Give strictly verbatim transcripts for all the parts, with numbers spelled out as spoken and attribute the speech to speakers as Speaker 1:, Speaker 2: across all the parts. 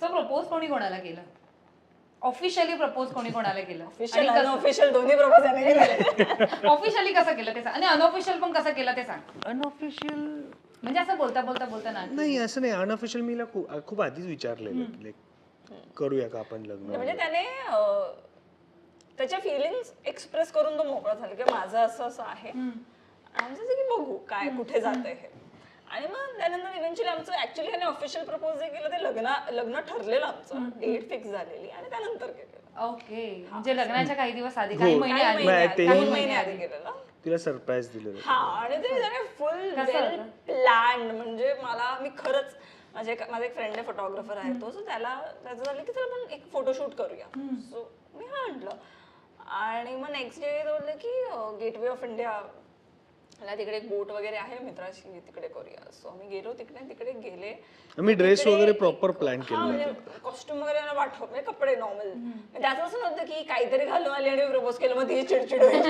Speaker 1: So propose कोणी कोणाला केलं? ऑफिशियली प्रपोज कोणी कोणाला केलं?
Speaker 2: ऑफिशियल आणि अनऑफिशियल दोन्ही प्रपोज याने केले.
Speaker 1: ऑफिशियली कसं केलं ते सांग, आणि अनऑफिशियल पण कसं केलं ते सांग.
Speaker 3: अनऑफिशियल
Speaker 1: म्हणजे असं बोलता बोलता बोलता ना.
Speaker 3: नाही, असं नाही. अनऑफिशियल मीला खूप खूप आधीच विचारलेलं की लाईक करूया का आपण लग्न.
Speaker 2: म्हणजे त्याने त्याच्या फिलिंग्स एक्सप्रेस करून तो मोकळा झाला की माझं असं असं आहे आमचं की बघू काय कुठे जात आहे. आणि मग त्यानंतर इव्हेंच्युअली आमचं ऍक्च्युअली त्याने ऑफिशियल प्रपोज जे केलं ते लग्न लग्न ठरलेलं आमचं, डेट फिक्स झालेली आणि त्यानंतर केलेलं.
Speaker 1: ओके, म्हणजे लग्नाच्या काही दिवस आधी, काही महिने
Speaker 2: काही
Speaker 1: आधी.
Speaker 2: महिने
Speaker 3: तेही-
Speaker 2: आधी काही महिने आधी केलेलं.
Speaker 3: तिला सरप्राईज दिलेलं.
Speaker 2: हा, आणि ते त्याने फुल वेल प्लॅन्ड. म्हणजे मला मी खरंच माझे माझा एक फ्रेंड आहे फोटोग्राफर आहे तो, सो त्याला त्याचं झालं की चला आपण एक फोटोशूट करूया. सो मी हा म्हटलं. आणि मग नेक्स्ट डे बोलले की गेटवे ऑफ इंडिया मला तिकडे एक बोट वगैरे आहे मित्राची, तिकडे करूया. सो आम्ही गेलो तिकडे तिकडे गेले.
Speaker 3: आम्ही ड्रेस वगैरे प्रॉपर प्लॅन केलं.
Speaker 2: म्हणजे कॉस्ट्युम वगैरे मला वाटव म्हणजे कपडे नॉर्मल. त्याचं असं नव्हतं की काहीतरी घालून आली आणि प्रपोज केलं मग ती चिडचिड होईल.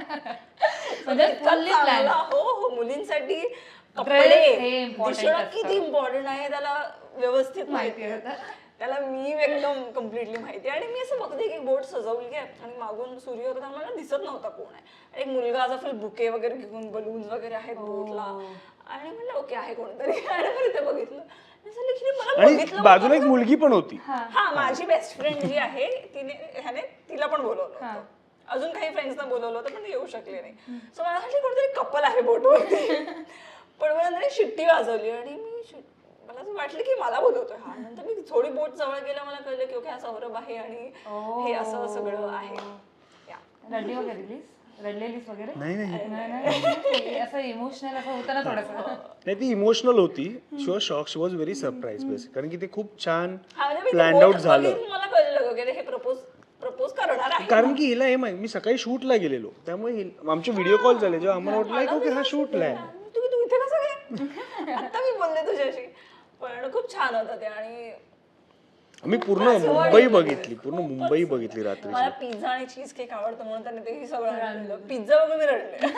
Speaker 1: म्हणजे fully planned.
Speaker 2: हो हो, मुलींसाठी
Speaker 1: Dress
Speaker 2: कपडे
Speaker 1: हे important
Speaker 2: दिसणं
Speaker 1: असतं.
Speaker 2: किती इम्पॉर्टंट आहे त्याला व्यवस्थित माहिती आहे.
Speaker 1: होतं.
Speaker 2: त्याला मी एकदम कम्प्लिटली माहिती आहे. आणि मी असं बघते की बोट सजवली आहे आणि मागून सूर्य होता मला दिसत नव्हता कोण आहे. आणि एक मुलगा असा फुल बुके वगैरे घेऊन बलून्स वगैरे आहेत बोटला. आणि म्हणलं ओके आहे कोणतरी. आणि मग इथे बघितलं मला
Speaker 3: आणि
Speaker 2: बघितलं
Speaker 3: बाजूला एक मुलगी पण होती.
Speaker 2: हा, माझी बेस्ट फ्रेंड जी आहे तिने ह्याने तिला पण बोलवलं होतं. अजून काही फ्रेंड्सना बोलवलं होतं पण ते येऊ शकले नाही. सो मला वाटलं कोणतरी कपल आहे बोटवरती. पण मला नंतर शिट्टी वाजवली आणि मी मला असं वाटलं की मला बोलवतोय हा. नंतर मी थोडी बोट जवळ गेल्या मला कळलं की ओके हा सौरभ आहे आणि हे असं सगळं आहे.
Speaker 1: रडली वगैरे लीस? रडलेलीस वगैरे?
Speaker 3: नाही नाही
Speaker 1: नाही, असं इमोशनल असं होतं ना थोडंसं.
Speaker 3: नाही, ती इमोशनल होती. She was shock, she was very surprise basic, कारण की ते खूप छान
Speaker 2: हा, म्हणजे मी ती
Speaker 3: प्लॅन्ड
Speaker 2: बोट
Speaker 3: आउट झालं.
Speaker 2: बघून मला कळलं की हे प्रपोज प्रपोज करणार आहे.
Speaker 3: कारण की हिला हे माहिती, मी सकाळी शूटला गेलेलो त्यामुळे हिला- आमचे व्हिडिओ कॉल झाले जेव्हा आम्हाला वाटलं ओके हा शूटला आहे.
Speaker 2: तू तू इथे कसं काय? आता मी बोलले तुझ्याशी. पण खूप छान होतं ते. आणि
Speaker 3: आम्ही पूर्ण मुंबई बघितली, पूर्ण मुंबई बघितली रात्री.
Speaker 2: मला पिझ्झा आणि चीज केक आवडतं म्हणून त्याने ते सगळं आणलं. पिझ्झा बघून मी रडले.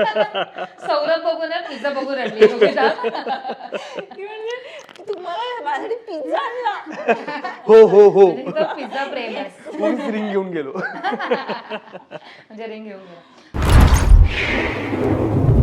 Speaker 1: सौरभ बघून पिझ्झा बघून रडली योगिता.
Speaker 2: ती म्हणजे तुम्हाला माझ्यासाठी पिझ्झा आणला.
Speaker 3: हो हो हो,
Speaker 1: तिचं पिझ्झा प्रेम आहे.
Speaker 3: मीच रिंग घेऊन गेलो.
Speaker 1: म्हणजे रिंग घेऊन गेला.